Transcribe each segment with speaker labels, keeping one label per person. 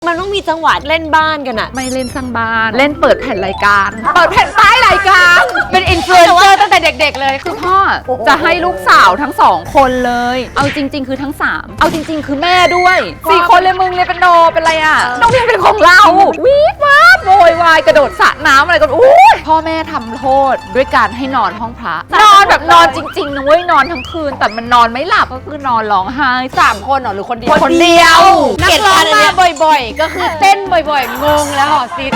Speaker 1: มันต้องมีจังหวะเล่นบ้านกันอะ
Speaker 2: ไม่เล่นสร้างบ้านเล่นเปิดแผ่นรายการเปิดแผ่นป้ายรายการเป็นอินฟลูเอนเซอร์ตั้งแต่เด็กๆเลยคือพ่อจะให้ลูกสาวทั้ง2คนเลยเอาจริงๆคือทั้ง3เอาจริงๆคือแม่ด้วย4คนเลยมึงเลยเป็นโนเป็นอะไรอ่ะน้องเพียงเป็นของเราวีดวาดโวยวายกระโดดสระน้ำอะไรกันอู้พ่อแม่ทำโทษด้วยการให้นอนห้องพระนอนแบบนอนจริงๆนะเว้ยนอนทั้งคืนแต่มันนอนไม่หลับก็คือนอนร้องไห้
Speaker 3: 3 คนเหรอหรือคนเดียว
Speaker 2: คนเดียว
Speaker 3: นักร้องมาบ่อยๆก็คือเต้นบ่อยๆงงแล้วหอซิด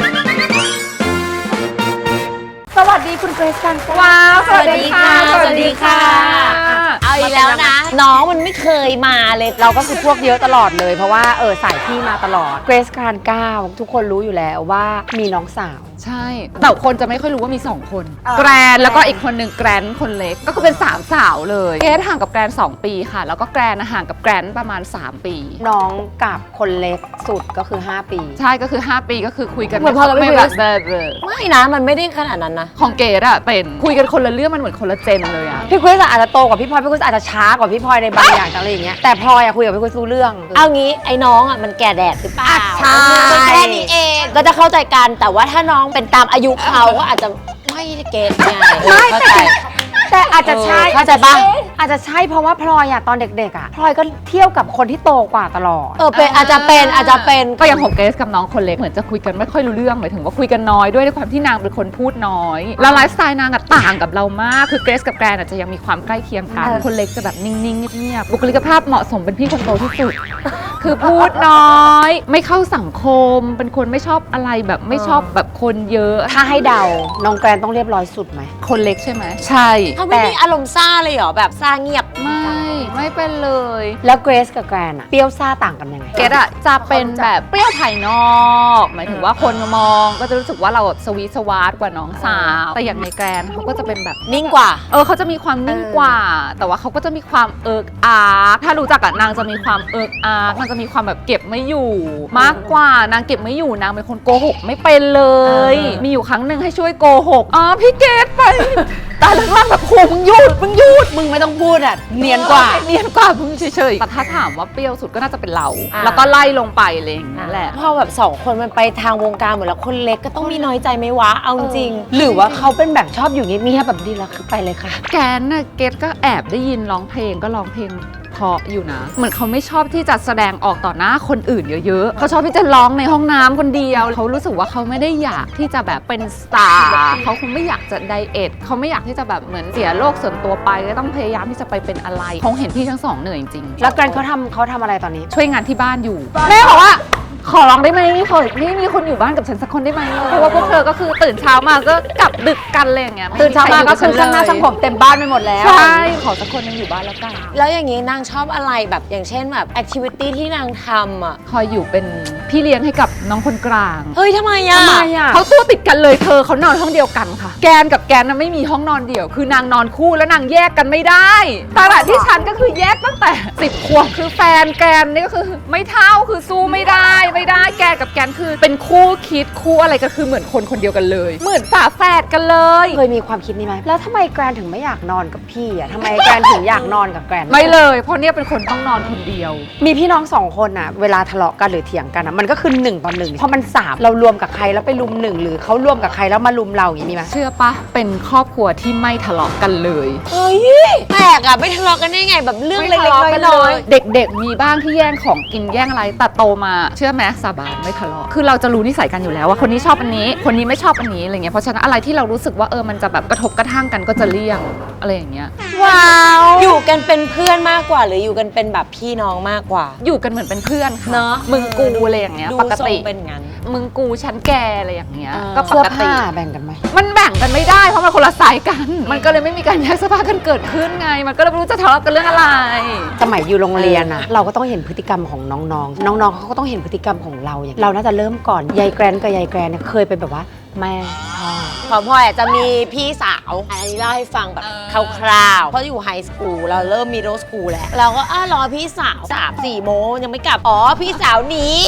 Speaker 3: สวัสดีคุณเกรซกัน
Speaker 2: ว้าว
Speaker 1: สวัสดีค่ะเอาอีกแล้วนะน้องมันไม่เคยมาเลย
Speaker 3: เราก็คือพวกเยอะตลอดเลยเพราะว่าสายพี่มาตลอดเกรซการ9ทุกคนรู้อยู่แล้วว่ามีน้องสาว
Speaker 2: ใช่แต่คนจะไม่ค่อยรู้ว่ามี2คนแกรนแล้วก็อีกคนหนึ่งแกรนคนเล็กก็คือเป็น3สาวเลยเกรซห่างกับแกรน2 ปีค่ะแล้วก็แกรนห่างกับแกรนประมาณ3 ปี
Speaker 3: น้องกับคนเล็กสุดก็คือ5 ปี
Speaker 2: ใช่ก็คือ5 ปีก็คือคุยกัน
Speaker 1: เหมือนพอเราไม่คุยกัน
Speaker 2: ไม่
Speaker 1: นะมันไม่ได้ขนาดนั้นนะ
Speaker 2: ของเกรซอะเป็นคุยกันคนละเรื่องมันเหมือนคนละเจนเลยอะ
Speaker 3: พี่คุยอาจจะโตกว่าพี่พลอยพี่คุยอาจจะช้ากว่าพี่พลอยในบางอย่างอะไรอย่างเงี้ยแต่พลอยอะคุยกับพี่คุยรู้เรื่อง
Speaker 1: เอางี้ไอ้น้องอะมันแก่แดดหรือเปล่า
Speaker 3: ใช่
Speaker 1: แค่นี้เองก็จะเข้าใจกันแต่ว่าถ้าน้องเป็นตามอายุเขาก็อาจจะไม่เก็ตไงเข้าใจ
Speaker 3: แต่อาจจะใช่
Speaker 1: เข้าใจปะ
Speaker 3: อาจจะใช่เพราะว่าพลอยอะตอนเด็กๆอะพลอยก็เที่ยวกับคนที่โตกว่าตลอด
Speaker 1: เป็นอาจจะเป็น
Speaker 2: ก็อย่างของเกรซกับน้องคนเล็กเหมือนจะคุยกันไม่ค่อยรู้เรื่องหมายถึงว่าคุยกันน้อยด้วยความที่นางเป็นคนพูดน้อยแล้วไลฟ์สไตล์นางอะต่างกับเรามากคือเกรซกับแกรนอาจจะยังมีความใกล้เคียงกันคนเล็กจะแบบนิ่งๆเงียบๆบุคลิกภาพเหมาะสมเป็นพี่คนโตที่สุดคือพูดน้อยไม่เข้าสังคมเป็นคนไม่ชอบอะไรแบบไม่ชอบแบบคนเยอะ
Speaker 3: ถ้าให้เดาน้องแกรนต้องเรียบร้อยสุดไหม
Speaker 2: คนเล็กใช่ไหมใช่
Speaker 1: เขาไม่มีอารมณ์ซ่าเลยเหรอแบบซ่าเงียบ
Speaker 2: ไม่เป็นเลย
Speaker 3: แล้วเกรซกับแกรนอะเปรี้ยวซ่าต่างกันยังไง
Speaker 2: เกรซอะจะเป็นแบบเปรี้ยวภายนอกหมายถึงว่าคนมองก็จะรู้สึกว่าเราสวีทสวาร์ทกว่าน้องสาวแต่อย่างในแกรนเขาก็จะเป็นแบบ
Speaker 1: นิ่งกว่า
Speaker 2: เขาจะมีความนิ่งกว่าแต่ว่าเขาก็จะมีความอาร์ถ้ารู้จักอะนางจะมีความอาร์นางจะมีความแบบเก็บไม่อยู่มากกว่านางเก็บไม่อยู่นางเป็นคนโกหกไม่เป็นเลยมีอยู่ครั้งหนึ่งให้ช่วยโกหกพี่เกรซไปแต่ล่างๆแบบโหมึงหยุด
Speaker 3: มึงไม่ต้องพูดอ่ะเนียนกว่า
Speaker 2: มึงเฉยๆแต่ถ้าถามว่าเปรี้ยวสุดก็น่าจะเป็นเราแล้วก็ไล่ลงไปอะไรอย่างนั้นแหละ
Speaker 1: พอแบบ2 คนมันไปทางวงการหมดแล้วคนเล็กก็ต้องมีน้อยใจไหมวะเอาจริง
Speaker 3: หรือว่าเขาเป็นแบบชอบอยู่เงียบๆแบบดีแล้วคือไปเลยค่ะ
Speaker 2: แกนน่ะเกรซก็แอบได้ยินร้องเพลงก็ร้องเพลงเพราะอยู่นะเหมือนเขาไม่ชอบที่จะแสดงออกต่อหน้าคนอื่นเยอะๆเขาชอบที่จะร้องในห้องน้ำคนเดียวเขารู้สึกว่าเขาไม่ได้อยากที่จะแบบเป็นสตาร์เขาคงไม่อยากจะไดเอทเขาไม่อยากที่จะแบบเหมือนเสียโลกส่วนตัวไปก็ต้องพยายามที่จะไปเป็นอะไรคงเห็นพี่ทั้ง2เหนื่อยจริง
Speaker 3: แล้วแกรนเขาทำอะไรตอนนี้
Speaker 2: ช่วยงานที่บ้านอยู่แม่บอกว่าขอร้องได้ไหมนี่มีคนอยู่บ้านกับฉันสักคนได้ไหมเพราะว่าพวกเธอก็คือตื่นเช้ามาก็กลับดึกกันเลยอย่างเงี้ย
Speaker 3: ตื่นเช้ามาก็คือช่างหน้าช่างผมเต็มบ้านไปหมดแล้ว
Speaker 2: ใช่ขอสักคนนึงอยู่บ้านแล้วกัน
Speaker 1: แล้วอย่างนี้นางชอบอะไรแบบอย่างเช่นแบบแอคทิวิตี้ที่นางทำอ่ะ
Speaker 2: คอยอยู่เป็นพี่เลี้ยงให้กับน้องคนกลาง
Speaker 1: เฮ้ยทำไมอ่ะ
Speaker 2: เขาตัวติดกันเลยเขานอนห้องเดียวกันค่ะแกนกับแกนไม่มีห้องนอนเดี่ยวคือนางนอนคู่แล้วนางแยกกันไม่ได้ตลาดที่ฉันก็คือแยกตั้งแต่10 ขวบคือแฟนแกนนี่ก็คือไม่เท่าคือสู้ไม่ได้แกนกับแกนคือเป็นคู่คิดคู่อะไรก็คือเหมือนคนเดียวกันเลยเหมือนฝาแฝดกันเลย
Speaker 3: เคยมีความคิดนี้ไหมแล้วทำไมแกรนถึงไม่อยากนอนกับพี่อ่ะทำไมแกรนถึงอยากนอนกับแกรน
Speaker 2: ไม่เลยเพราะเนี่ยเป็นคนต้องนอนคนเดียว
Speaker 3: มีพี่น้อง2 คนอ่ะเวลาทะเลาะกันหรือเถียงกันอ่ะมันก็คือ1 ต่อ 1เพราะมัน3เรารวมกับใครแล้วไปลุม1หรือเขารวมกับใครแล้วมาลุมเราอย่างนี้มีไหม
Speaker 2: เชื่อปะเป็นครอบครัวที่ไม่ทะเลาะกันเลย
Speaker 1: เฮ้ยแปลกอ่ะไม่ทะเลาะกันได้ไงแบบเรื่องเล็กๆน้อย
Speaker 2: ๆเด็กๆมีบ้างที่แย่งของกินแย่งอะไรแต่โตมาเชื่อไหมสาบานไม่ทะเลาะคือเราจะรู้นิสัยกันอยู่แล้วว่าคนนี้ชอบอันนี้คนนี้ไม่ชอบอันนี้อะไรเงี้ยเพราะฉะนั้นอะไรที่เรารู้สึกว่ามันจะแบบกระทบกระทั่งกันก็จะเลี่ยงอะไรอย่างเงี้ย
Speaker 1: ว้าวอยู่กันเป็นเพื่อนมากกว่าหรืออยู่กันเป็นแบบพี่น้องมากกว่า
Speaker 2: อยู่กันเหมือนเป็นเพื่อนค่ะ
Speaker 1: เนาะ
Speaker 2: มึงกูอะไรอย่างเงี้ยปกติ
Speaker 1: เป็นงั้น
Speaker 2: มึงกูฉันแกอะไรอย่างเงี้ยก็ปกติ
Speaker 3: แบ่งกันไหม
Speaker 2: มันแบ่งกันไม่ได้เพราะมันคนละสายกันมันก็เลยไม่มีการแยกเสื้อผ้ากันเกิดขึ้นไงมันก็เลยไม่รู้จะทะเลาะกันเรื่องอะไร
Speaker 3: สมัยอยู่โรงเรียนอะเราก็ต้องเห็นพฤติกรรมของน้องๆเขาก็ต้องเห็นพฤติกรรมของเราอย่างเราน่าจะเริ่มก่อนยายแกรนกับยายแกรนเนี่ยเคยเป็นแบบว่าแม่
Speaker 1: พ่อพ่อจะมีพี่สาวอันนี้เล่าให้ฟังแบบคร่าวๆเพราะอยู่ไฮสคูลเราเริ่มมีโรสคูลแล้วเราก็รอพี่สาว3-4 โมงยังไม่กลับพี่สาวหนี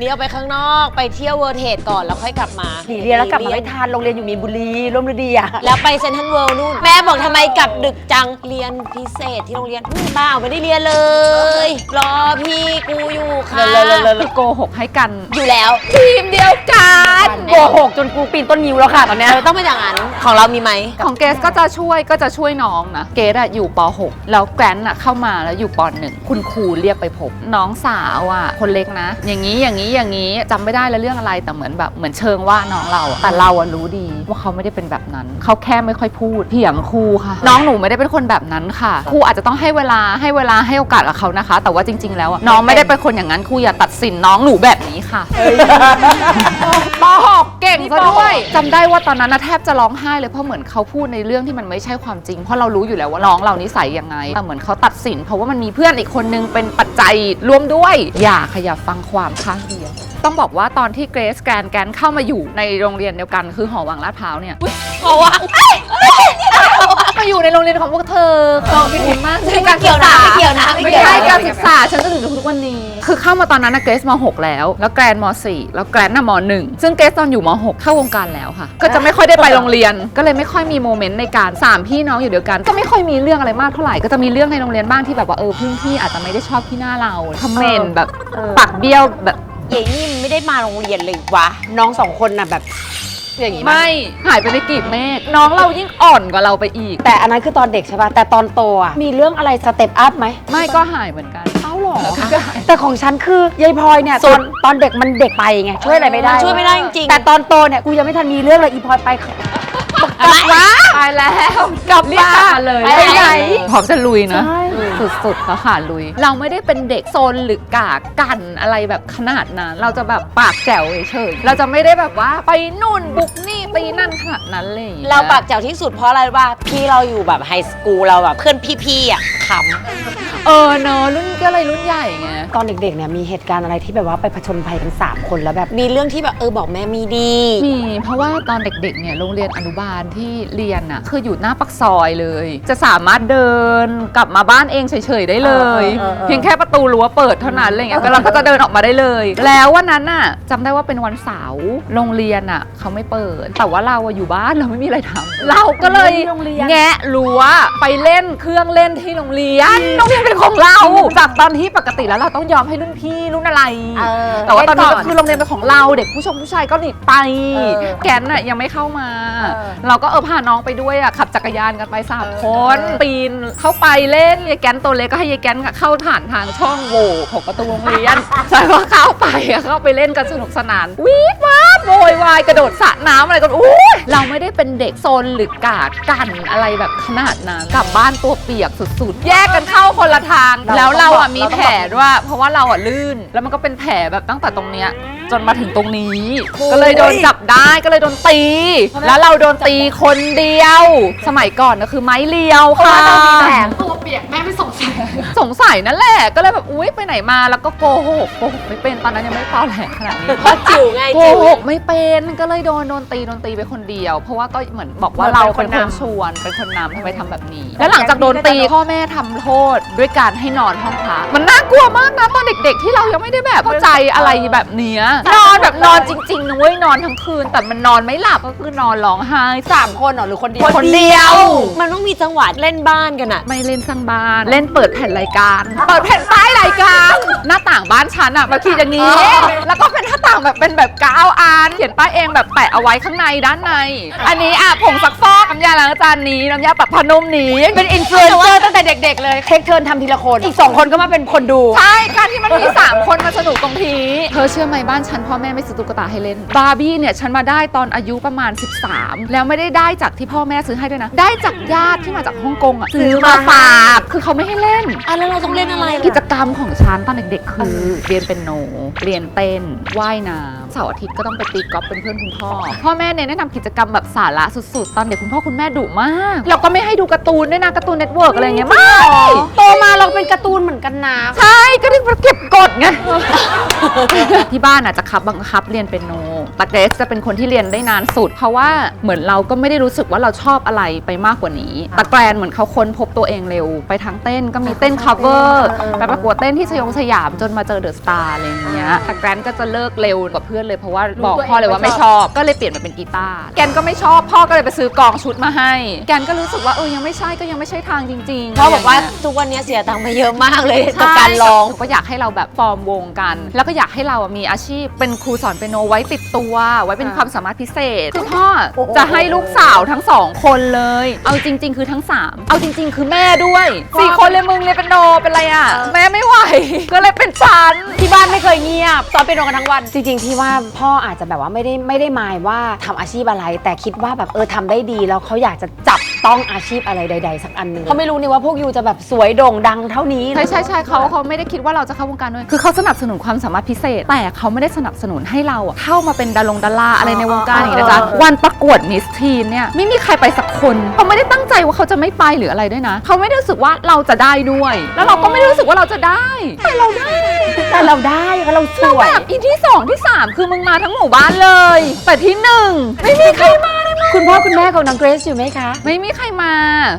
Speaker 1: นี่เอาไปข้างนอกไปเที่ยวเวิร์เทดก่อนแล้วค่อยกลับมา
Speaker 3: หนีเรียนแล้วกลับมาไม่ทันโรงเรียนอยู่มีนบุรีร่วมฤดีอ่ะ
Speaker 1: แล้วไปเซนทรัลเวิลด์นู่นแม่บอกทำไมกลับดึกจังเรียนพิเศษที่โรงเรียนบ้าไม่ได้เรียนเลย รอพี่กูอยู่ค่ะ
Speaker 2: คือโกหกให้กัน
Speaker 1: อยู่แล้ว
Speaker 2: ทีมเดียวกัน
Speaker 3: โกหกจนกูปีนต้นนิ้วแล้วค่ะตอนเนี้ย
Speaker 1: ต้องเป็นอย่างนั้นของเรามีไหม
Speaker 2: ของเกสก็จะช่วยน้องนะเกสอะอยู่ป .6 แล้วแกรนอะเข้ามาแล้วอยู่ป .1 คุณครูเรียกไปพบน้องสาวอะคนเล็กนะ อย่างนี้จำไม่ได้แล้วเรื่องอะไรแต่เหมือนเชิงว่าน้องเราอะแต่เราอะรู้ดีว่าเขาไม่ได้เป็นแบบนั้นเขาแค่ไม่ค่อยพูดเถียงครูค่ะ น้องหนูไม่ได้เป็นคนแบบนั้นค่ะครูอาจจะต้องให้เวลาให้โอกาสกับเขานะคะ แต่ว่าจริง ๆแล้วอะน้องไม่ได้เป็นคนอย่างนั้นครูอย่าตัดสินน้องหนูแบบนี้ค่ะป .6 เก่งซะด้วยจำได้ว่าตอนนั้นนะแทบจะร้องไห้เลยเพราะเหมือนเขาพูดในเรื่องที่มันไม่ใช่ความจริงเพราะเรารู้อยู่แล้วว่าน้องเรานิสัยยังไงแต่เหมือนเขาตัดสินเพราะว่ามันมีเพื่อนอีกคนนึงเป็นปัจจัยร่วมด้วยอย่าฟังความข้างเดียวต้องบอกว่าตอนที่เกรซแกนเข้ามาอยู่ในโรงเรียนเดียวกันคือหอวังลาดพร้าวเนี่ย
Speaker 1: เพราะว่า
Speaker 2: มาอยู่ในโรงเรียนของพวกเธอขอบคุณมาก
Speaker 1: ไม่เกี่ยวนะไม่เกี่ยวนะ
Speaker 2: ไม่ใช่การศึกษาฉันจะถึงทุกวันนี้คือเข้ามาตอนนั้นนะเกรซม .6 แล้วแกรนม .4 แล้วแกรนน่ะม .1 ซึ่งเกรซตอนอยู่ม .6 เข้าวงการแล้วค่ะก็จะไม่ค่อยได้ไปโรงเรียนก็เลยไม่ค่อยมีโมเมนต์ในการ3พี่น้องอยู่เดียวกันก็ไม่ค่อยมีเรื่องอะไรมากเท่าไหร่ก็จะมีเรื่องในโรงเรียนบ้างที่แบบว่าพี่อาจจะไม่ได้ชอบที่หน้าเราคอมเมนต์แบบปากเบี้ยวแบบ
Speaker 1: เย่นี่ไม่ได้มาโรงเรียนเลยวะ
Speaker 3: น้องสองคนน่ะแบบอย่างงี้มั้ย
Speaker 2: ไม่หายไปในกลีบเมฆน้องเรายิ่งอ่อนกว่าเราไปอีก
Speaker 3: แต่อันนั้นคือตอนเด็กใช่ป่ะแต่ตอนโตอ่ะมีเรื่องอะไรสเต็ปอัพไหม
Speaker 2: ไม่ก็หายเหมือนกัน
Speaker 3: เอ้าหรอแต่ของฉันคือยายพลอยเนี่ยตอนเด็กมันเด็กไปไงช่วยอะไรไม่ได้
Speaker 1: ช่วยไม่ได้จริงๆ
Speaker 3: แต่ตอนโตเนี่ยกูยังไม่ทันมีเรื่องเลยอีพลอยไป
Speaker 2: ตายแล้ว
Speaker 3: กลับ
Speaker 2: เรียก
Speaker 3: บ้าน
Speaker 2: มาเลย
Speaker 3: ไปไหน
Speaker 2: พร้อมจะลุยนะ
Speaker 3: ใช่
Speaker 2: สุดๆแล้วค่ะลุย เราไม่ได้เป็นเด็กโซนหรือกากกันอะไรแบบขนาดนั้นเราจะแบบปากแจ๋วเฉยๆเราจะไม่ได้แบบว่าไปนู่นบุกนี่ไปนั่นขนาดนั้นเลย
Speaker 1: เราปากแจ๋วที่สุดเพราะอะไรรู้ป่ะพี่เราอยู่แบบไฮสคูลเราแบบเพื่อนพี่ๆอ่ะข
Speaker 2: เนอะรุ่นก็เลยรุ่นใหญ่ไง
Speaker 3: ตอนเด็กๆเนี่ยมีเหตุการณ์อะไรที่แบบว่าไปผจญภัยกัน3คนแล้วแบบ
Speaker 1: ำมีเรื่องที่แบบบอกแม่มีดี
Speaker 2: มีเพราะว่าตอนเด็กๆเนี่ยโรงเรียนอนุบาลที่เรียนอ่ะคืออยู่หน้าปากซอยเลย จะสามารถเดินกลับมาบ้านเองเฉยๆได้เลย เพียงแค่ประตูรั้วเปิดเท่านั้นอะไรเงี้ยเราก็จะเดินออกมาได้เลย แล้ววันนั้นน่ะจำได้ว่าเป็นวันเสาร์โรงเรียนอ่ะเขาไม่เปิด แต่ว่าเราอะอยู่บ้านเราไม่มีอะไรทำเราก็เลยแงะรั้วไปเล่นเครื่องเล่นที่โรงเรียนเป็นของเราจากตอนที่ปกติแล้วเราต้องยอมให้รุ่นพี่รุ่นอะไร แต่ว่าตอนนี้ก็คือโรงเรียนเป็นของเราเด็กผู้ชายก็หนีไปแกนน่ะยังไม่เข้ามา เราก็พาน้องไปด้วยอ่ะขับจักรยานกันไป3 คนปีนเข้าไปเล่นยายแกนตัวเล็กก็ให้ยายแกนเข้าผ่านทางช่องโหว่ของประตูโรงเรียนใช่ว่าเข้าไปเข้าไปเล่นกันสนุกสนานวีดวาดโวยวายกระโดดสระน้ำอะไรกันอู้เราไม่ได้เป็นเด็กโซนหรือกาดกันอะไรแบบขนาดนั้นกลับบ้านตัวเปียกสุดๆแยกกันเข้าคนละทางแล้วเราอ่ะมีแผลด้วยเพราะว่าเราอ่ะลื่นแล้วมันก็เป็นแผลแบบตั้งแต่ตรงเนี้ยจนมาถึงตรงนี้ก็เลยโดนจับได้ก็เลยโดนตีแล้วเราโดนตีคนเดียว สมัยก่อนก็คือไม้เรียวค่ะตัวเปียกแม่ไม่สงสัยนั่นแหละก็เลยแบบอุ๊ยไปไหนมาแล้วก็โกหกไม่เป็นตอนนั้นยังไม่ตอแหลขนาดนี้
Speaker 1: จิ๋วไง
Speaker 2: โกหกไม่เป็นก็เลยโดนตีไปคนเดียว เพราะว่าก็เหมือนบอกว่าเราเป็นคนชวนเป็นคนนำทำไมทำแบบนี้ แล้วหลังจากโดนตีพ่อแม่ทำโทษด้วยการให้นอนห้องพระมันน่ากลัวมากนะตอนเด็กๆที่เรายังไม่ได้แบบเข้าใจอะไรแบบเนี้ยนอนแบบนอนจริงๆนะเว้ยนอนทั้งคืนแต่มันนอนไม่หลับก็คือนอนร้องไห้
Speaker 3: 3 คนเหรอหรือคนเดียว
Speaker 2: คนเดียว
Speaker 1: มันต้องมีจังหวะเล่นบ้านกันอะ
Speaker 2: ไม่เล่นสร้างบ้านเล่นเปิดแผ่นรายการเปิดแผ่นป้ายรายการหน้าต่างบ้านฉันอะมาขีดอย่างนี้ แล้วก็เป็นหน้าต่างแบบเป็นแบบ9 อันเขียนป้ายเองแบบแปะเอาไว้ข้างในด้านใน อันนี้อะผงซักฟอกน้ำยาล้างจานนี้น้ำยาปรับผ้านุ่มนี้เป็นอินฟลูเอนเซอร์ตั้งแต่เด็กๆเลย
Speaker 3: เทคเทิร์นทำทีละคนอีก2 คนก็มาเป็นคนดู
Speaker 2: ใช่การที่มันมี3 คนมาสนุกตรงทีเธอเชื่อไหมบ้านฉันพ่อแม่ไม่ซื้อตุ๊กตาให้เล่นบาร์บี้เนี่ยฉันมาได้ตอนอายุประมาณ13แล้วไม่ได้จากที่พ่อแม่ซื้อให้ด้วยนะได้จากญาติที่มาจากฮ่องกงอะซื้อมาฝากคือเขาไม่ให้เล่น
Speaker 1: แล้วเราต้องเล่นอะไรล่ะ
Speaker 2: กิจกรรมของฉันตอนเด็กๆ คือเรียนเปียโนเรียนเต้นว่ายน้ำเสาร์อาทิตย์ก็ต้องไปตีกอล์ฟเป็นเพื่อนคุณพ่อพ่อแม่เน้นให้ทำกิจกรรมแบบสาระสุดๆตอนเด็กคุณพ่อคุณแม่ดุมากเราก็ไม่ให้ดูการ์ตูนด้วยนะการ์ตูนเน็ตเวิร์กอะไรเงี้ยไม่
Speaker 3: โตมาเราเป็นการ์ตูนเหมือนกันนะ
Speaker 2: ใช่ก็ถึงเก็บกดไง ที่บ้านจะบังคับเรียนเปียโนแต่เกรซจะเป็นคนที่เรียนได้นานสุดเพราะว่าเหมือนเราก็ไม่ได้รู้สึกว่าเราชอบอะไรไปมากกว่านี้แต่แกรนเหมือนเขาค้นพบตัวเองเร็วไปทางเต้นก็มีเต้น cover ไปประกวดเต้นที่สยามจนมาเจอเดอะสตาร์อะไรอย่างเงี้ยแต่แกรนก็จะเลิกเร็วกว่าเพื่อนเลยเพราะว่าบอกพ่อเลยว่าไม่ชอบก็เลยเปลี่ยนมาเป็นกีตาร์แกนก็ไม่ชอบพ่อก็เลยไปซื้อกองชุดมาให้แกนก็รู้สึกว่ายังไม่ใช่ก็ยังไม่ใช่ทางจริงๆ
Speaker 1: พ่อบอกว่าทุกวันนี้เสียตังค์ไปเยอะมากเลยกับการร้อง
Speaker 2: ก็อยากให้เราแบบฟอร์มวงกัน แล้วก็อยากให้เรามีอาชีพเป็นครูสอนเปียโนไว้ติดตัวไว้เป็นความสามารถพิเศษคือพ่อจะให้ลูกสาวทั้ง2คนเลยเอาจริง ๆ คือทั้ง3เอาจริง ๆ คือแม่ด้วย4คนเลยมึงเรียนเปียโนเป็นไรอ่ะแม่ไม่ไหวก็เลยเป็นฉัน
Speaker 3: ที่บ้านไม่เคยเงียบสอนเปียโนกันทั้งวันจริงๆที่ว่าพ่ออาจจะแบบว่าไม่ได้หมายว่าทำอาชีพอะไร แต่คิดว่าแบบทำได้ดีแล้วเขาอยากจะจับต้องอาชีพอะไรใดๆสักอันหนึ่งเขาไม่รู้นี่ว่าพวกยูจะแบบสวยโด่งดังเท่านี้
Speaker 2: ใช่เขาไม่ได้คิดว่าเราจะเข้าวงการด้วยคือเขาสนับสนุนความสามารถพิเศษแต่เขาไม่ได้สนับสนุนให้เราเข้ามาเป็นดาราอะไรในวงการอย่างนี้นะจ๊ะวันประกวดมิสทีนเนี่ยไม่มีใครไปสักคนเขาไม่ได้ตั้งใจว่าเขาจะไม่ไปหรืออะไรด้วยนะเขาไม่ได้รู้สึกว่าเราจะได้ด้วย แล้วเราก็ไม่ได้รู้สึกว่าเราจะได้แต่เราได้
Speaker 3: เพราะเราสวย
Speaker 2: แบบอีที่2ที่3คือมึงมาทั้งหมู่บ้านเลยแต่ที่1ไม่มีใครมาเลยมั้ย
Speaker 3: คุณพ่อคุณแม่ของน้องเกรซอยู่ไหมคะ
Speaker 2: ไม่มีใครมา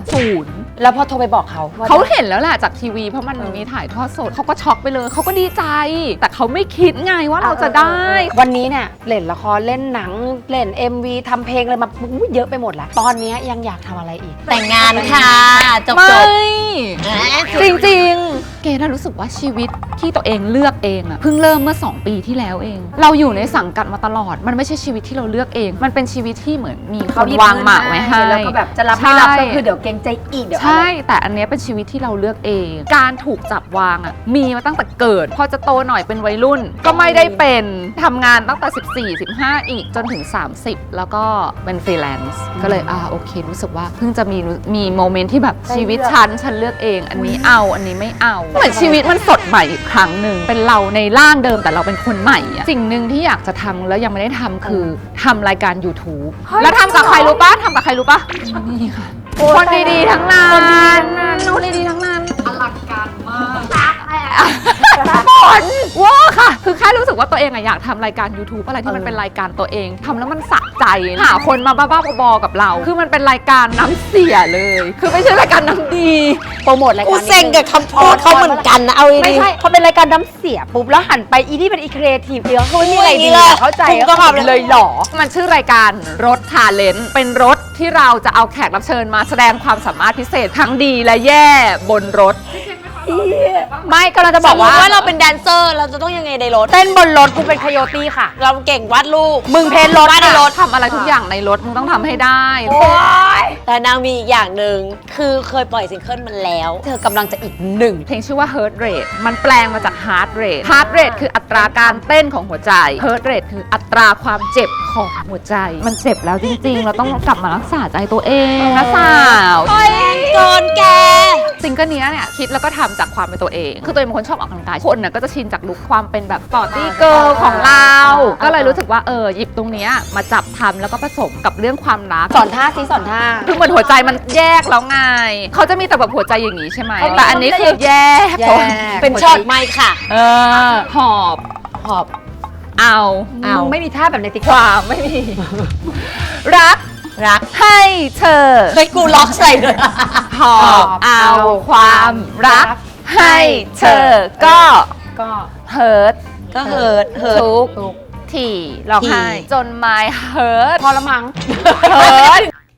Speaker 2: 0
Speaker 3: แล้วพอโทรไปบอกเขา
Speaker 2: เขาเห็นแล้วแหละจากทีวีเพราะมันมีถ่ายทอดสดเขาก็ช็อกไปเลยเขาก็ดีใจ แต่เขาไม่คิดไงว่าเราจะได้
Speaker 3: วันนี้เนี่ยเล่นละครเล่นหนังเล่น MV ทำเพลงอะไรมาเยอะไปหมดแล้วตอนนี้ยังอยากทำอะไรอีก
Speaker 1: แต่งงานค่ะจบ
Speaker 2: จริงๆเกดรู้สึกว่าชีวิตที่ตัวเองเลือกเองอะเพิ่งเริ่มเมื่อ2 ปีที่แล้วเองเราอยู่ในสังกัดมาตลอดมันไม่ใช่ชีวิตที่เราเลือกเองมันเป็นชีวิตที่เหมือนมีคนวางหมากไว้ให้
Speaker 3: แล้วก็แบบจะรับไม่รับก็คือเดี๋ยวเกรงใจอีกเดี๋ยวอะไร
Speaker 2: ใช่แต่อันเนี้ยเป็นชีวิตที่เราเลือกเอง การถูกจับวางอ่ะมีมาตั้งแต่เกิดพอจะโตหน่อยเป็นวัยรุ่น ก็ไม่ได้เป็นทำงานตั้งแต่14 15อีกจนถึง30แล้วก็เป็นฟรีแลนซ์ก็เลยโอเครู้สึกว่าเพิ่งจะมีโมเมนต์ที่แบบชีวิตฉันเลือกเองอันนี้เอาอันนี้ไม่เอาเหมือนชีวิตมันสดใหม่อีกครั้งหนึ่งเป็นเราในร่างเดิมแต่เราเป็นคนใหม่อะสิ่งหนึ่งที่อยากจะทำแล้วยังไม่ได้ทำคือทำรายการ YouTube แล้วทำกับใครรู้ปะนี่ค่ะคนดีๆทั้งนั้นคนดีๆทั้งนั้นอลังการมากหมดว้าค่ะคือแค่รู้สึกว่าตัวเองอยากทำรายการ YouTube อะไรที่มันเป็นรายการตัวเองทำแล้วมันสะใจหาคนมาบ้าๆบอๆกับเราคือมันเป็นรายการน้ำเสียเลยคือไม่ใช่รายการน้ำดี
Speaker 3: โปรโมทรายการ
Speaker 1: กูเซ็งกับคำพูดเขาเหมือนกันนะเอาดี
Speaker 3: ไม่ใช่พอเป็นรายการน้ำเสียปุ๊บแล้วหันไปอีนี่เป็นอีครีเอทีฟเดียวเขาไม่มีอะไรดีเข้าใจ
Speaker 1: ก็ขับ
Speaker 3: เลยหรอ
Speaker 2: มันชื่อรายการรถทาเลนต์เป็นรถที่เราจะเอาแขกรับเชิญมาแสดงความสามารถพิเศษทั้งดีและแย่บนรถ
Speaker 3: ไม่ก็เราจะบอกว่า
Speaker 1: เราเป็นแดนเซอร์เราจะต้องยังไงในรถ
Speaker 3: เต้นบนรถกูเป็นคโยตี้ค่ะ
Speaker 1: เราเก่งวาดรูป
Speaker 3: มึงเพลรถ
Speaker 2: ในรถทำอะไรทุกอย่างในรถมึงต้องทำให้ได้
Speaker 1: แต่นางมีอีกอย่างหนึ่งคือเคยปล่อยซิงเกิลมันแล้ว
Speaker 3: เธอกำลังจะอีก1
Speaker 2: เพลงชื่อว่า Heart Rate มันแปลงมาจาก Heart Rate Heart Rate คืออัตราการเต้นของหัวใจ Heart Rate คืออัตราความเจ็บของหัวใจมันเจ็บแล้วจริงๆเราต้องกลับมารักษาใจตัวเองนะสาว
Speaker 1: โดนแก
Speaker 2: ซิงเกิลนี้เนี่ยคิดแล้วก็ทำจากความเป็นตัวเองคือตัวเองเป็นคนชอบออกกำลังกายคนน่ะก็จะชินจากลุคความเป็นแบบสปอร์ตี้เกิร์ลของเราก็เลยรู้สึกว่าหยิบตรงนี้มาจับทำแล้วก็ผสมกับเรื่องความรัก
Speaker 3: สอนท่า
Speaker 2: คือเหมือนหัวใจมันแยกแล้วไงเขาจะมีแต่แบบหัวใจอย่างนี้ใช่ไหมแต่อันนี้คือแยก
Speaker 1: เป็นช็อตไม่ค่ะ
Speaker 2: หอบเอา
Speaker 3: ไม่มีท่าแบบในติ๊ก
Speaker 2: ความไม่มีรักให้เธอ
Speaker 1: เฮ้ยกูล็อกใส่เลย
Speaker 2: หอบเอาความรักให้เธอก็เฮิร์ตทุกที่ร้องไห้จนไม้เฮิร์ต
Speaker 3: พอละมั้ง
Speaker 2: เฮิร์ต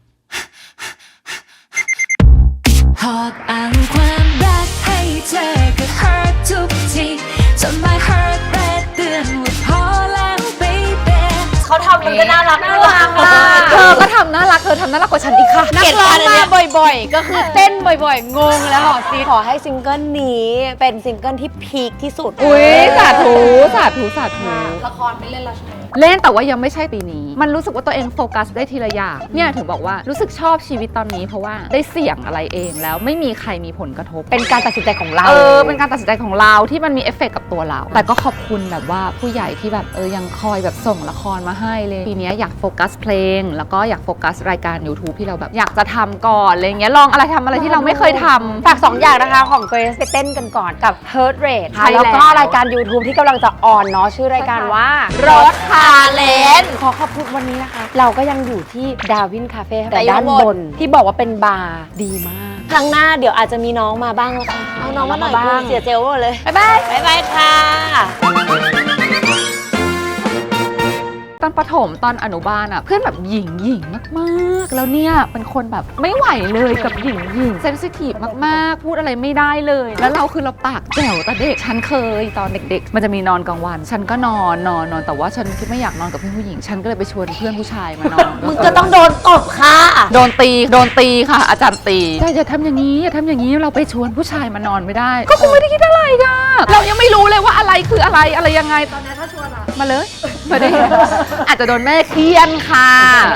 Speaker 4: หอบเอาความรักให้เธอก็เฮิร์ตทุกทีจนไม้เฮิร์ตแรดเตือนว่าพอแล้ว baby
Speaker 1: เขาทำมันก็น่ารัก
Speaker 3: มาก
Speaker 2: อก็ทำน่ารักเธอทำน่ารักกว่าฉันอีกค่ะ
Speaker 3: นักร้องมาบ่อยๆ ก็คือเต้นบ่อยๆ งงแล้วเหรอซี
Speaker 1: ขอให้ซิงเกิลนี้เป็นซิงเกิลที่พีคที่สุด
Speaker 2: อุ้ยสาธุสาธุสาธุละครไม่เล่นละเล่นแต่ว่ายังไม่ใช่ปีนี้ มันรู้สึกว่าตัวเองโฟกัสได้ทีละอย่างเนี่ยถึงบอกว่ารู้สึกชอบชีวิตตอนนี้เพราะว่าได้เสี่ยงอะไรเองแล้วไม่มีใครมีผลกระทบ
Speaker 3: เป็นการตัดสินใจของเรา
Speaker 2: เป็นการตัดสินใจของเราที่มันมีเอฟเฟกต์กับตัวเรา แต่ก็ขอบคุณแบบว่าผู้ใหญ่ที่แบบยังคอยแบบส่งละครมาให้เลยปีนี้อยากโฟกัสเพลงแล้วก็อยากโฟกัสรายการ YouTube ที่เราแบบอยากจะทำก่อนอะไรเงี้ยลองอะไรทำอะไรที่เราไม่เคยทำ
Speaker 3: ฝาก2 อย่างนะคะของ Grace ไปเต้นกันก่อนกับ Heart Rate
Speaker 2: ใช่
Speaker 3: แล้วก็
Speaker 2: แล้ว
Speaker 3: รายการ YouTube ที่กำลังจะออนเนาะชื่อรายการว่า
Speaker 1: รถพาเลน
Speaker 3: ขอขอบคุณวันนี้นะคะ เราก็ยังอยู่ที่ดาวินคาเฟ่
Speaker 1: แต่
Speaker 3: แต่ด้าน
Speaker 1: ยัง
Speaker 3: บนที่บอกว่าเป็นบาร์ดีมาก
Speaker 1: ครั้งหน้าเดี๋ยวอาจจะมีน้องมาบ้างแล้วค่ะ เอาน้องมาหน่อย
Speaker 3: มาบ้าง
Speaker 1: กูเสียเจลหมดเลย
Speaker 3: บ๊ายบาย
Speaker 1: บ๊ายบายค่ะ
Speaker 2: ตอนประถมตอนอนุบาลอ่ะเพื่อนแบบหญิงมากๆแล้วเนี่ยเป็นคนแบบไม่ไหวเลยกับหญิงเซนซิทีฟมากๆพูดอะไรไม่ได้เลย แล้วเราคือเราปากแจ๋วแต่เด็กฉันเคยตอนเด็กๆมันจะมีนอนกลางวัน ฉันก็นอนแต่ว่าฉันคิดไม่อยากนอนกับเพื่อนผู้หญิงฉันก็เลยไปชวนเพื่อนผู้ชายมานอน
Speaker 1: มึงก็ต้องโดนตบค่ะ
Speaker 2: โดนตีค่ะ อาจารย์ตีอย่าทำอย่างนี้เราไปชวนผู้ชายมานอนไม่ได้ ก็คงไม่ได้คิดอะไรกันเรายังไม่รู้เลยว่าอะไรคืออะไรยังไงตอนนี้ถ้าชวนมาเลยไม่ได้อาจจะโดนแม่เคี่ยนค่ะ